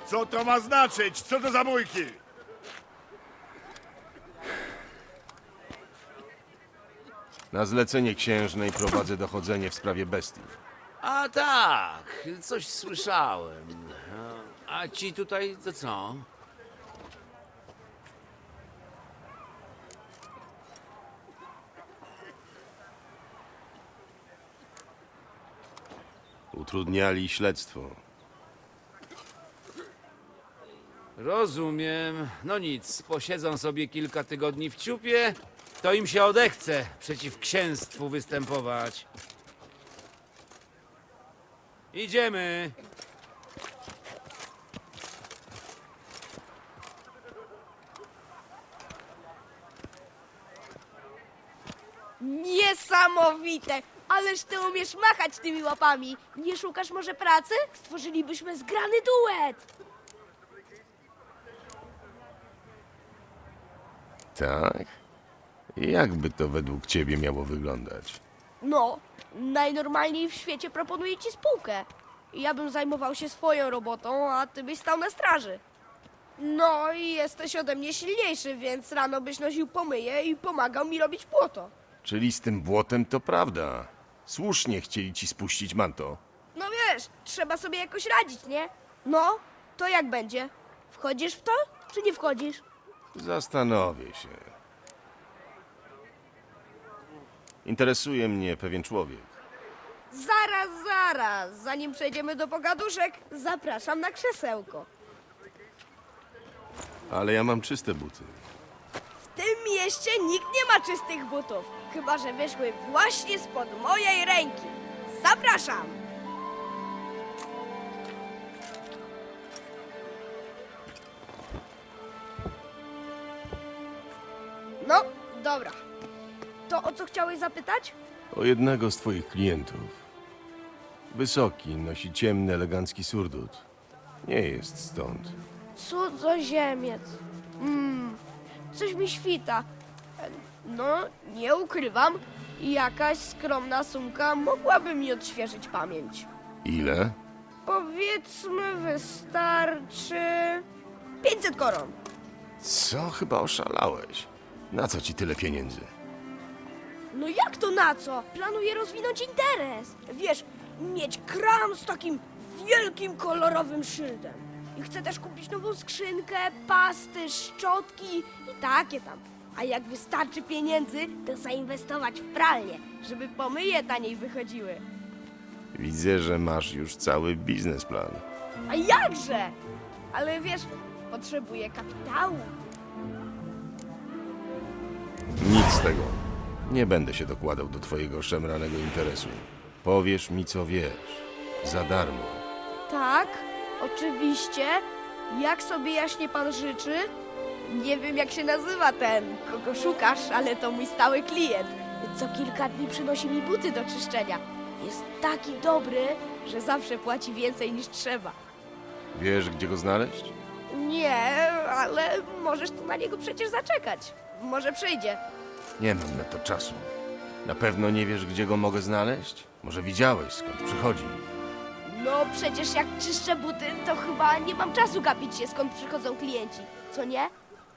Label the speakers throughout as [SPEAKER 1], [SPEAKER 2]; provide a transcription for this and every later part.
[SPEAKER 1] Co to ma znaczyć? Co to za bójki?
[SPEAKER 2] Na zlecenie księżnej prowadzę dochodzenie w sprawie bestii.
[SPEAKER 3] A tak, coś słyszałem. A ci tutaj to co?
[SPEAKER 2] Utrudniali śledztwo.
[SPEAKER 3] Rozumiem. No nic, posiedzą sobie kilka tygodni w ciupie, to im się odechce przeciw księstwu występować. Idziemy.
[SPEAKER 4] Niesamowite! Ależ ty umiesz machać tymi łapami. Nie szukasz może pracy? Stworzylibyśmy zgrany duet.
[SPEAKER 2] Tak? Jakby to według ciebie miało wyglądać?
[SPEAKER 4] No, najnormalniej w świecie proponuję ci spółkę. Ja bym zajmował się swoją robotą, a ty byś stał na straży. No i jesteś ode mnie silniejszy, więc rano byś nosił pomyje i pomagał mi robić błoto.
[SPEAKER 2] Czyli z tym błotem to prawda. Słusznie chcieli ci spuścić manto.
[SPEAKER 4] No wiesz, trzeba sobie jakoś radzić, nie? No, to jak będzie? Wchodzisz w to, czy nie wchodzisz?
[SPEAKER 2] Zastanowię się. Interesuje mnie pewien człowiek.
[SPEAKER 4] Zaraz, zanim przejdziemy do pogaduszek, zapraszam na krzesełko.
[SPEAKER 2] Ale ja mam czyste buty.
[SPEAKER 4] W tym mieście nikt nie ma czystych butów, chyba że wyszły właśnie spod mojej ręki. Zapraszam! No, dobra. To o co chciałeś zapytać?
[SPEAKER 2] O jednego z twoich klientów. Wysoki, nosi ciemny, elegancki surdut. Nie jest stąd.
[SPEAKER 4] Cudzoziemiec. Coś mi świta. No, nie ukrywam, jakaś skromna sumka mogłaby mi odświeżyć pamięć.
[SPEAKER 2] Ile?
[SPEAKER 4] Powiedzmy, wystarczy 500 koron.
[SPEAKER 2] Co? Chyba oszalałeś. Na co ci tyle pieniędzy?
[SPEAKER 4] No jak to na co? Planuję rozwinąć interes. Wiesz, mieć kram z takim wielkim, kolorowym szyldem. I chcę też kupić nową skrzynkę, pasty, szczotki i takie tam. A jak wystarczy pieniędzy, to zainwestować w pralnię, żeby pomyje taniej wychodziły.
[SPEAKER 2] Widzę, że masz już cały biznesplan.
[SPEAKER 4] A jakże? Ale wiesz, potrzebuję kapitału.
[SPEAKER 2] Nic z tego. Nie będę się dokładał do twojego szemranego interesu. Powiesz mi, co wiesz. Za darmo.
[SPEAKER 4] Tak, oczywiście. Jak sobie jaśnie pan życzy? Nie wiem, jak się nazywa ten, kogo szukasz, ale to mój stały klient. Co kilka dni przynosi mi buty do czyszczenia. Jest taki dobry, że zawsze płaci więcej niż trzeba.
[SPEAKER 2] Wiesz, gdzie go znaleźć?
[SPEAKER 4] Nie, ale możesz tu na niego przecież zaczekać. Może przyjdzie.
[SPEAKER 2] Nie mam na to czasu. Na pewno nie wiesz, gdzie go mogę znaleźć? Może widziałeś, skąd przychodzi?
[SPEAKER 4] No przecież jak czyszczę buty, to chyba nie mam czasu gapić się, skąd przychodzą klienci. Co nie?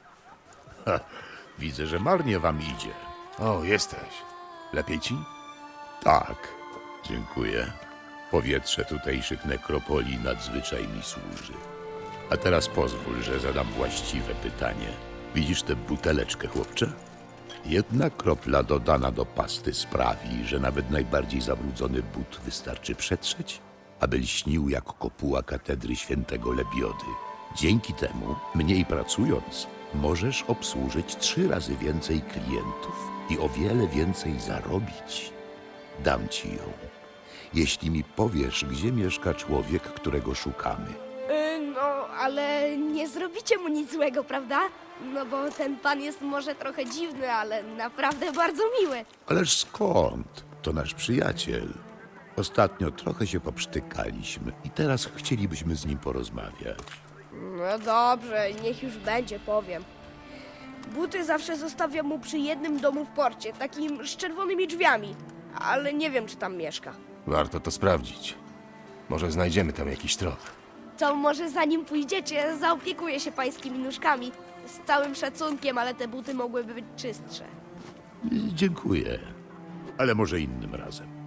[SPEAKER 5] Widzę, że marnie wam idzie.
[SPEAKER 2] O, jesteś. Lepiej ci?
[SPEAKER 5] Tak, dziękuję. Powietrze tutejszych nekropolii nadzwyczaj mi służy. A teraz pozwól, że zadam właściwe pytanie. Widzisz tę buteleczkę, chłopcze? Jedna kropla dodana do pasty sprawi, że nawet najbardziej zabrudzony but wystarczy przetrzeć, aby lśnił jak kopuła katedry świętego Lebiody. Dzięki temu, mniej pracując, możesz obsłużyć 3 razy więcej klientów i o wiele więcej zarobić. Dam ci ją, jeśli mi powiesz, gdzie mieszka człowiek, którego szukamy.
[SPEAKER 4] No, ale nie zrobicie mu nic złego, prawda? No bo ten pan jest może trochę dziwny, ale naprawdę bardzo miły.
[SPEAKER 5] Ależ skąd? To nasz przyjaciel. Ostatnio trochę się poprztykaliśmy i teraz chcielibyśmy z nim porozmawiać.
[SPEAKER 4] No dobrze, niech już będzie, powiem. Buty zawsze zostawiam mu przy jednym domu w porcie, takim z czerwonymi drzwiami. Ale nie wiem, czy tam mieszka.
[SPEAKER 2] Warto to sprawdzić. Może znajdziemy tam jakiś trop.
[SPEAKER 4] To może zanim pójdziecie, zaopiekuję się pańskimi nóżkami. Z całym szacunkiem, ale te buty mogłyby być czystsze.
[SPEAKER 5] Dziękuję, ale może innym razem.